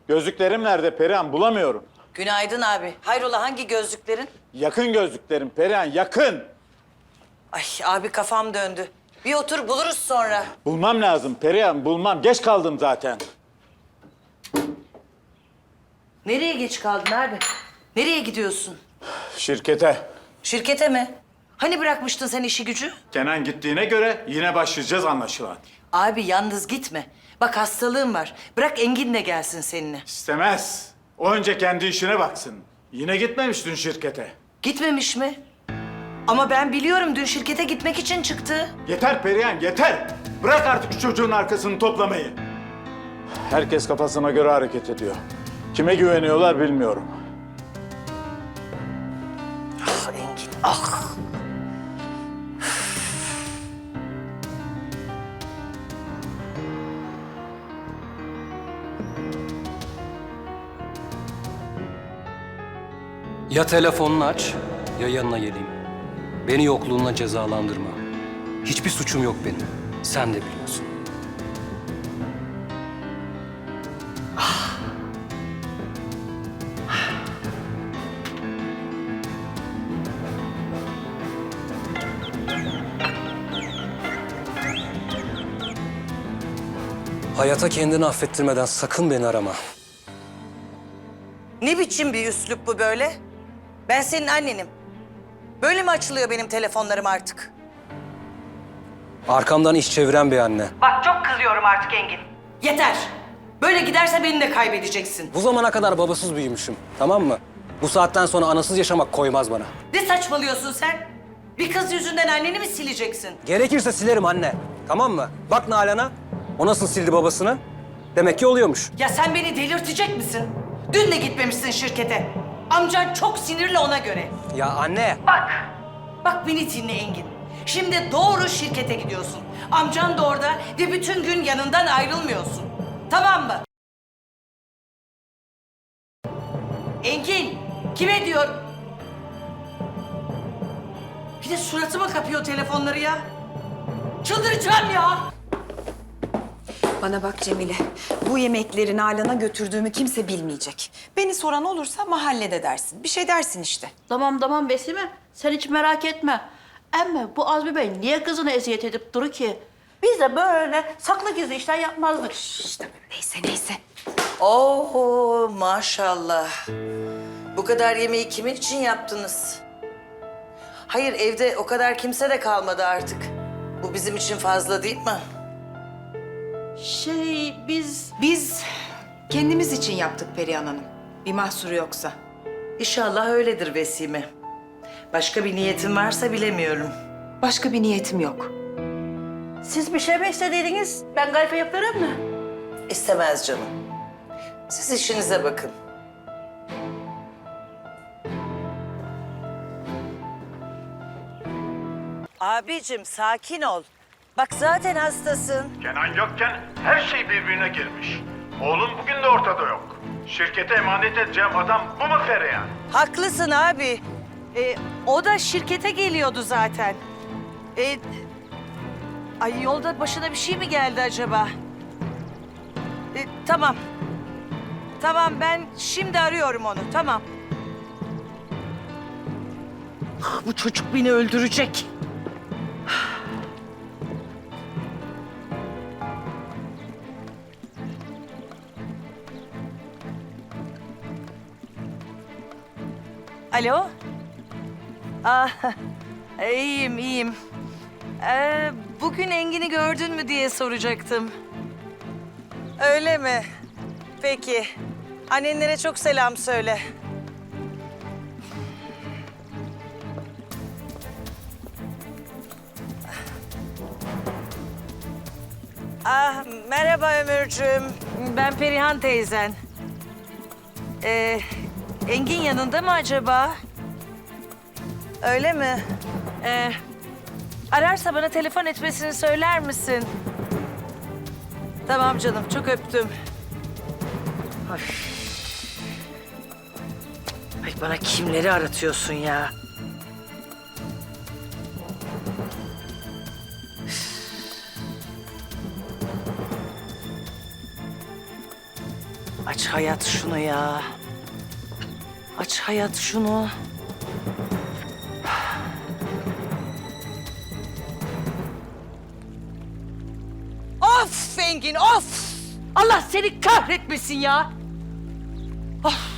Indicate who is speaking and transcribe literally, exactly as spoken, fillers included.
Speaker 1: Gözlüklerim nerede Perihan? Bulamıyorum.
Speaker 2: Günaydın abi. Hayrola hangi gözlüklerin?
Speaker 1: Yakın gözlüklerim Perihan, yakın.
Speaker 2: Ay abi kafam döndü. Bir otur buluruz sonra.
Speaker 1: Bulmam lazım Perihan, bulmam. Geç kaldım zaten.
Speaker 2: Nereye geç kaldın abi? Nereye gidiyorsun?
Speaker 1: Şirkete.
Speaker 2: Şirkete mi? Hani bırakmıştın sen işi gücü?
Speaker 1: Kenan gittiğine göre yine başlayacağız anlaşılan.
Speaker 2: Abi yalnız gitme. Bak hastalığım var. Bırak Engin de gelsin seninle.
Speaker 1: İstemez. O önce kendi işine baksın. Yine gitmemiş dün şirkete.
Speaker 2: Gitmemiş mi? Ama ben biliyorum dün şirkete gitmek için çıktı.
Speaker 1: Yeter Perihan, yeter. Bırak artık şu çocuğun arkasını toplamayı. Herkes kafasına göre hareket ediyor. Kime güveniyorlar bilmiyorum.
Speaker 2: Ah Engin ah.
Speaker 3: Ya telefonunu aç, ya yanına geleyim. Beni yokluğunla cezalandırma. Hiçbir suçum yok benim. Sen de biliyorsun. Hayata kendini affettirmeden sakın beni arama.
Speaker 2: Ne biçim bir üslup bu böyle? Ben senin annenim. Böyle mi açılıyor benim telefonlarım artık?
Speaker 3: Arkamdan iş çeviren bir anne.
Speaker 2: Bak çok kızıyorum artık Engin. Yeter. Böyle giderse beni de kaybedeceksin.
Speaker 3: Bu zamana kadar babasız büyümüşüm, tamam mı? Bu saatten sonra anasız yaşamak koymaz bana.
Speaker 2: Ne saçmalıyorsun sen? Bir kız yüzünden anneni mi sileceksin?
Speaker 3: Gerekirse silerim anne, tamam mı? Bak Nalan'a, o nasıl sildi babasını? Demek ki oluyormuş.
Speaker 2: Ya sen beni delirtecek misin? Dün de gitmemişsin şirkete. Amcan çok sinirli ona göre.
Speaker 3: Ya anne!
Speaker 2: Bak, bak beni dinle Engin. Şimdi doğru şirkete gidiyorsun. Amcan da orada ve bütün gün yanından ayrılmıyorsun. Tamam mı? Engin, kime diyor? Bir de suratıma kapıyor telefonları ya. Çıldıracağım ya.
Speaker 4: Bana bak Cemile, bu yemekleri Nalan'a götürdüğümü kimse bilmeyecek. Beni soran olursa mahallede dersin. Bir şey dersin işte.
Speaker 5: Tamam tamam Besime, sen hiç merak etme. Ama bu Azmi Bey niye kızını eziyet edip duru ki? Biz de böyle saklı gizli işler yapmazdık.
Speaker 4: İşte neyse neyse.
Speaker 2: Oo maşallah. Bu kadar yemeği kimin için yaptınız? Hayır evde o kadar kimse de kalmadı artık. Bu bizim için fazla değil mi?
Speaker 5: Şey biz...
Speaker 4: Biz kendimiz için yaptık Perihan Hanım. Bir mahsuru yoksa.
Speaker 2: İnşallah öyledir Vesime. Başka bir niyetin varsa bilemiyorum.
Speaker 4: Başka bir niyetim yok.
Speaker 5: Siz bir şey mi istediydiniz? Ben gayfe yaparım mı?
Speaker 2: İstemez canım. Siz işinize bakın. Abicim sakin ol. Bak zaten hastasın.
Speaker 1: Kenan yokken her şey birbirine girmiş. Oğlum bugün de ortada yok. Şirkete emanet edeceğim adam bu mu Perihan?
Speaker 2: Haklısın abi. Ee, o da şirkete geliyordu zaten. Ee, ay yolda başına bir şey mi geldi acaba? Ee, tamam. Tamam ben şimdi arıyorum onu tamam. Bu çocuk beni öldürecek. Alo? Ah, iyiyim, iyiyim. Ee, bugün Engin'i gördün mü diye soracaktım. Öyle mi? Peki. Annenlere çok selam söyle. Ah, merhaba Ömürcüğüm. Ben Perihan teyzen. Ee, Engin yanında mı acaba? Öyle mi? Ee, ararsa bana telefon etmesini söyler misin? Tamam canım, çok öptüm. Ay. Ay bana kimleri aratıyorsun ya? Acaba hayat şunu ya. Aç hayat şunu. Of Engin of! Allah seni kahretmesin ya. Of!